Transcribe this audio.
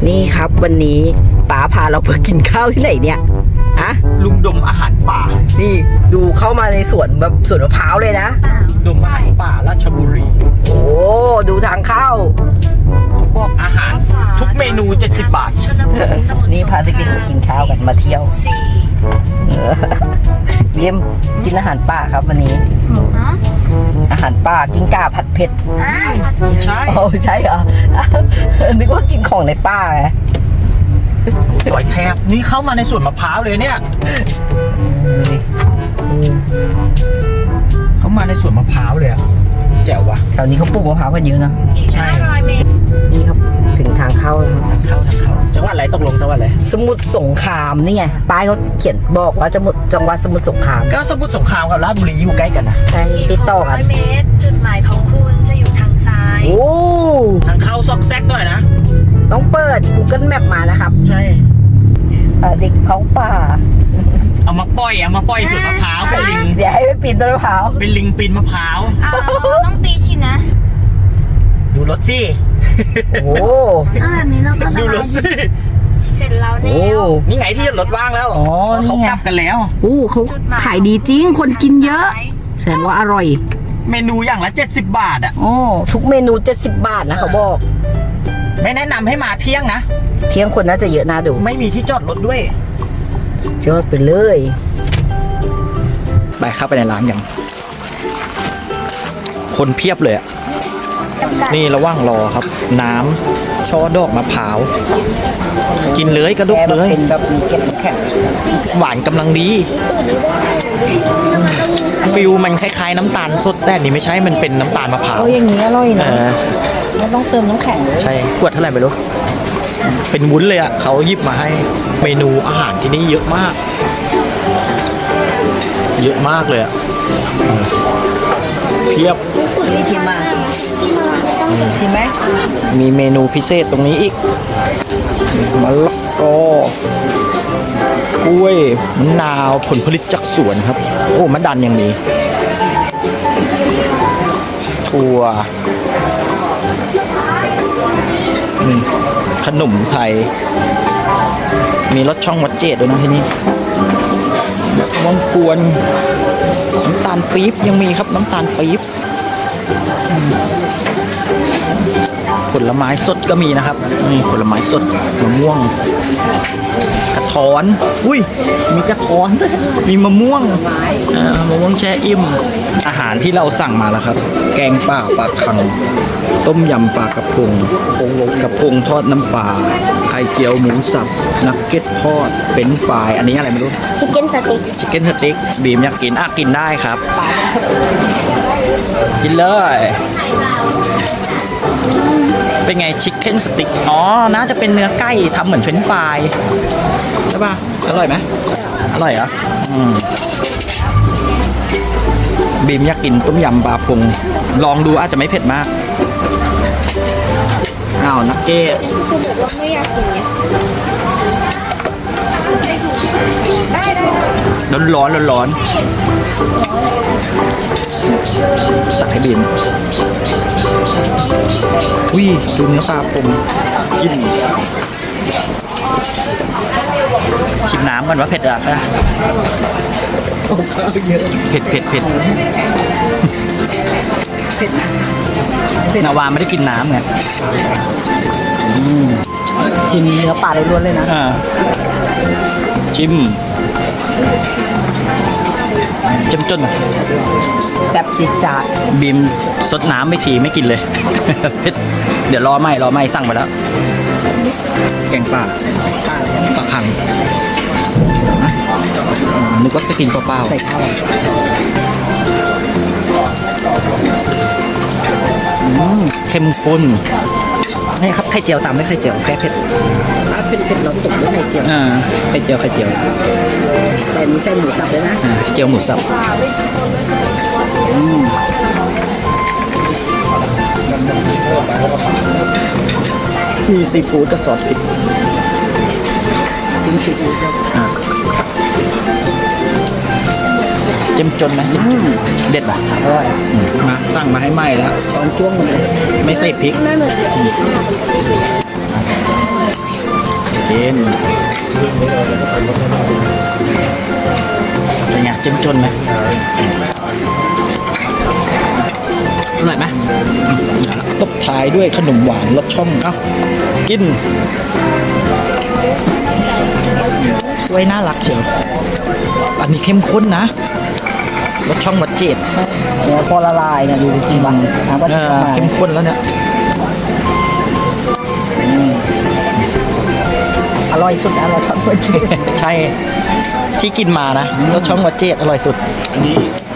นี่ครับวันนี้ป๋าพาเราไปกินข้าวที่ไหนเนี่ยอะลุงดมอาหารป่านี่ดูเข้ามาในสวนแบบสวนมะพร้าวเลยนะดมอาหารป่าราชบุรีโอ้ดูทางเข้าเขาบอกอาหารทุกเมนู70 บาทนี่พาเด็กๆกินข้าวกันมาเที่ยวเบียมกินอาหารป่าครับวันนี้อาหารป่ากิ้งก่าผัดเผ็ดใช่โอ้ใช่เหรอนึกว่ากินของในป่าไงสวยแทบนี่เข้ามาในสวนมะพร้าวเลยเนี่ยเข้ามาในสวนมะพร้าวเลยอะแจ๋ววะแถวนี้เขาปลูกมะพร้าวกันเยอะนะใช่500 เมตรนี่ครับถึงทางเข้าแล้วทางเข้าจังหวัดอะไรตกลงจังหวัดอะไรสมุทรสงครามนี่ไงป้ายเขาเขียนบอกว่าจังหวัดสมุทรสงครามก็สมุทรสงครามกับราชบุรีอยู่ใกล้กันนะใช่ติดต่อกัน 600 เมตรจุดหมายของคุณจะอยู่ทางซ้ายโอ้ทางเข้าซอกแซกด้วยนะต้องเปิด Google Map มานะครับใช่เด็กเขาป่าเอามาปล่อยสวนมะพร้าวเป็นลิงเดี๋ยวให้ไปปีนต้นมะพร้าวเป็นลิงปีนมะพร้าวต้องตีชินนะดูรถสิโอ้แบบนี้เราก็ดูรถสิเสร็จแล้วเนี่ยนี่ไงที่รถว่างแล้วอ๋อเขากลับกันแล้วเขาขายดีจริงคนกินเยอะแสดงว่าอร่อยเมนูอย่างละ70 บาทอ่ะทุกเมนู70 บาทนะเขาบอกไม่แนะนำให้มาเที่ยงนะเที่ยงคนน่าจะเยอะน่าดูไม่มีที่จอดรถด้วยยอดไปเลยไปเข้าไปในร้านอย่างคนเพียบเลยอ่ะนี่ระหว่างรอครับน้ำช่อดอกมะพร้าวกินเลยกระดกเลยเป็นแบบมีเก็บแข็งหวานกำลังดีฟิลมันคล้ายๆน้ำตาลสดแต่นี่ไม่ใช่มันเป็นน้ำตาลมะพร้าวอย่างนี้อร่อยนะไม่ต้องเติมน้ำแข็งเลยใช่ขวดเท่าไหร่ไม่รู้เป็นวุ้นเลยอ่ะเขาหยิบมาให้เมนูอาหารที่นี่เยอะมากเลยอ่ะเพียบนี่ชิมมาชิมไหมมีเมนูพิเศษตรงนี้อีกมะละกอกล้วยมะนาวผลผลิตจากสวนครับโอ้มะดันยังมีถั่วขนมไทยมีรสช่องวัดเจดด้วยนะที่นี่มะกวนน้ำตาลปี๊บยังมีครับน้ำตาลปี๊บผลไม้สดก็มีนะครับนี่ผลไม้สดมะม่วงกระท้อนอุ้ยมีกระท้อนมีมะม่วงแช่อิ่มอาหารที่เราสั่งมาแล้วครับแกงป่าปลาคังต้มยำปลากระพงทอดน้ำปลาไข่เจียวหมูสับนักเก็ตทอดเป็นฟรายอันนี้อะไรไม่รู้ชิคเก้นสติ๊กบีมอยากกินกินได้ครับกินเลยเป็นไงชิคเก้นสติ๊กน่าจะเป็นเนื้อไก่ทำเหมือนเฟรนช์ฟรายใช่ป่ะอร่อยไหมอร่อยเหรอบีมอยากกินต้มยำปลาพงลองดูอาจจะไม่เผ็ดมากนักเก็ตไม่อยากกินไงร้อนตักให้บีมอุ้ยดูเนื้อปลาพงกินชิมน้ำมันว่าเผ็ดอ่ะเผ็ดนาวาไม่ได้กินน้ำไงชิมเนื้อปลาล้วนเลยนะจิ้มจนแซ่บจี๊ดจ๊าดบีมซดน้ำไม่ทีไม่กินเลยเดี๋ยวรอไม่สั่งไปแล้วแกงป่าปลาคังนึกว่าจะกินเปล่าใส่ข้าวเข้มข้นนี่ครับไข่เจียวตามด้วยไข่เจียวแก้เผ็ดเผ็ดเราตกด้วยไข่เจียวไข่เจียวแต่มีใส่หมูสับด้วยนะเจียวหมูสับมีซีฟู้ดกับซอสพริกจิ้มซีฟู้ดเจ้มจนนะเด็ดป่ะอร่อยมาสั่งมาให้ไหมแล้วช้อนจ้วงเลยไม่ใส่พริกกินเป็นไงเจ้มจนไหมอร่อยไหมตบท้ายด้วยขนมหวานรสช่องเอ้ากินไว้น่ารักเชียวอันนี้เข้มข้นนะรสช่องวัดเจดเนี่ยพอละลายเนี่ยดูจริงๆบ้างน้ำก็จะมาเข้มข้นแล้วเนี่ยอร่อยสุดนะเราชอบคนจีนใช่ที่กินมานะรสช่องวัดเจดอร่อยสุดอันนี้